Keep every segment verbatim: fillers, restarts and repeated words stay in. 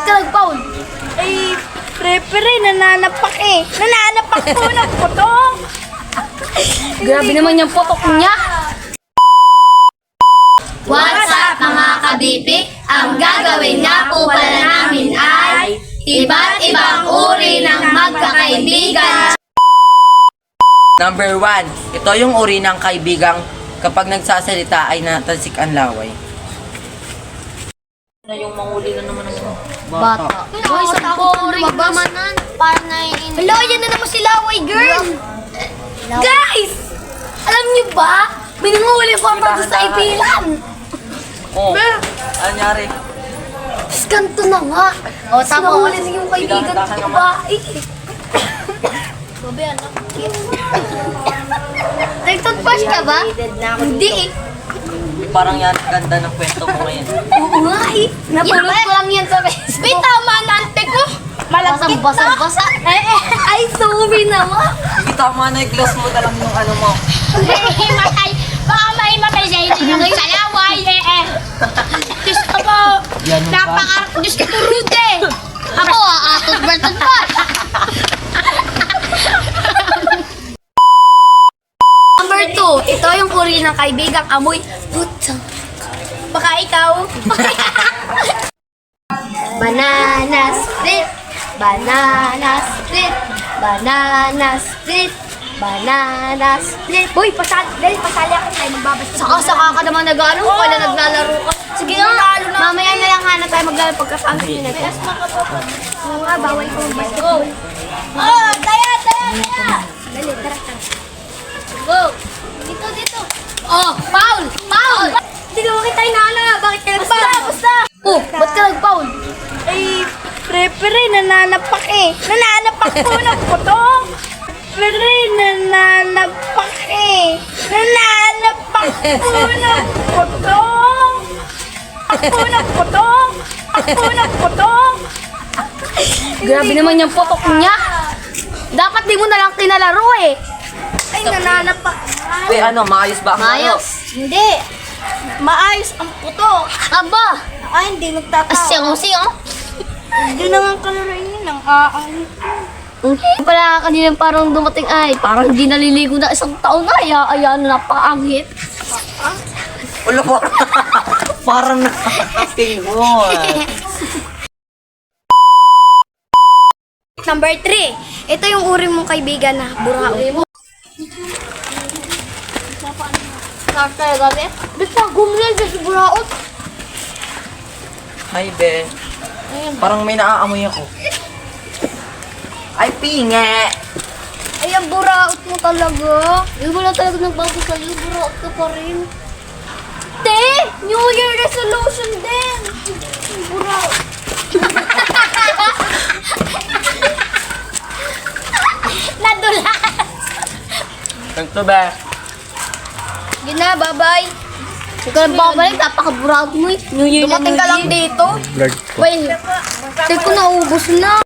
ka nag-foul? Ay, pre-pre, nananapak eh. Nananapak po ng puto. Grabe naman yung putok niya. What's up mga kabipik? Ang gagawin nga po pala namin ay iba't ibang uri ng magkakaibigan. Number one, ito yung uri ng kaibigang kapag nagsasalita ay natasik ang laway. Na yung manguli na naman ng bata. Boy, sa boring manan. Para na yun. Hello, yan na naman si Laway Girl. Guys! Alam niyo ba? Binunguli po ako sa ipilan. Oh, anyari? Ganto na nga. O, tapos. Sinahuli sa yung kaibigan ko sa babae. Babe, anak. Nag-toothbrush ka ba? Hindi eh. Parang yan, ganda ng kwento mo ngayon. Oo nga eh. Napulot ko lang yan sa Facebook. Wait, tama na ante ko. Malagkit na. Basa-basa. Ay, ay, ay, sorry naman. Hindi tama na, i-gloss mo na lang yung ano mo. Matay! Baka may matay sa hindi ng salaway eh eh! Diyos ko po! Yan ba? Napaka... Diyos ko po Rude! Ako, ah, ah, toothbrush pa. Number two, ito yung uri ng kaibigang amoy putang. Baka ikaw. Banana split. Banana split. Banana split. Banana split. Uy, pasali, dahil pasali ako tayo magbabasa. Saka-saka ka naman nag-ano kung kailan naglalaro ka. Sige nga, Lalo na. mamaya na lang hanap tayo maglalaro pagkasama sila na ito. Oo nga, bawal ko mag-basketball. Oh, taya, taya, taya. Dali, tara, tara. Go! Dito, dito. Oh, foul! Foul! Hindi ko makita yung nana. Bakit ka nagpa? Basta, basta. Oh, ba't ka nag-foul? Ay, pre-pre, nananapak eh. Nananapak po ng puto. Pre, nananapak eh. Nananapak po ng puto. Ako ng puto. Ako ng puto. Grabe naman yung putok niya. Dapat di mo na lang tinalaro eh. Ay, nananapak. Eh ano, maayos ba ang Mayos. Hindi. Maayos ang puto. Aba! Ay, hindi nagtatawa. Asyong-syong. Hindi na nga kalarain yun ang aang. Hindi pala kanina parang dumating ay parang hindi naliligo na isang taon na. Ay, ayan, napakaangit. ulo ko? Parang nakakating mo. Number three. Ito yung uri mong kaibigan na burao. Start tayo gabi? Ba't na gumulan sa buraot? Hi, be. Parang may naaamoy ako. Ay, pinge! Ay, ang buraot mo talaga. Yung wala talaga nagbago sa'yo, buraot ka pa rin. Te! New Year resolution din! Buraot. Nadulas! Ganito, be. Yun na, bye-bye. Huwag ka lang babalik, napaka-buraot mo eh. New Year na Dumating New ka lang Year. dito. Wait, hindi ko naubos na.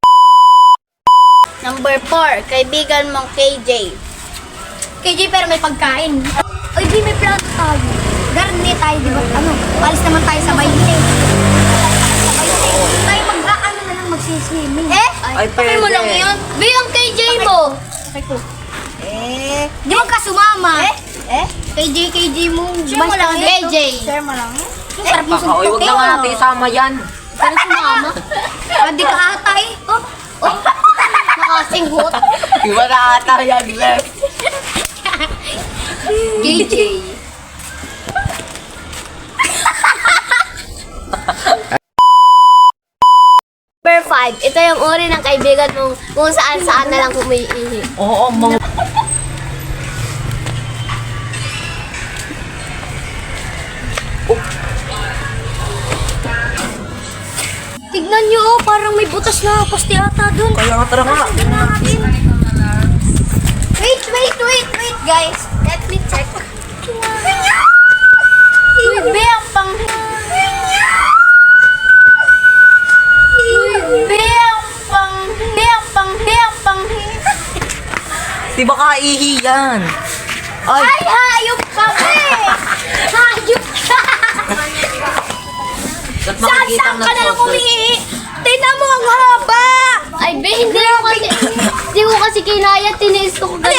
Number four, kaibigan mong K J. K J pero may pagkain. Ay, di may plato tayo. Garni tayo, di ba? Ano, alis naman tayo sa bainte. Sa bainte. Tayo mag-aano na lang magsiswimming. Eh? Ay, pwede. mo lang yun. Be, ang K J mo. Eh? Di mo ka sumama. Eh? Eh? K J, K J mo. Share mo lang K J. Share mo lang. Eh, sarap mo Baka, uy, huwag na nga natin isama yan. Pero sumama. Ah, di ka ata eh. Oh, oh. Nakasinghot. Iba na ata yan, be. K J. Number five, ito yung uri ng kaibigan mong kung saan-saan na lang umiihi. Oo, mga... Tignan nyo oh, parang may butas na pasti ata dun. Kaya nga, tara nga. Wait, wait, wait, wait, guys. Let me check. Uy, be, ang pang... Uy, be, ang pang... Be, ang pang... Be, ang pang... Di ba kaihi yan? Ay, Ay, hayop ka, be! Hayop ka! ba't Saan, makikita saan ka na lang umiihi? Tingnan mo, ang haba! Ay, be, hindi ko kasi, hindi ko kasi kinaya, tiniis ko kagad.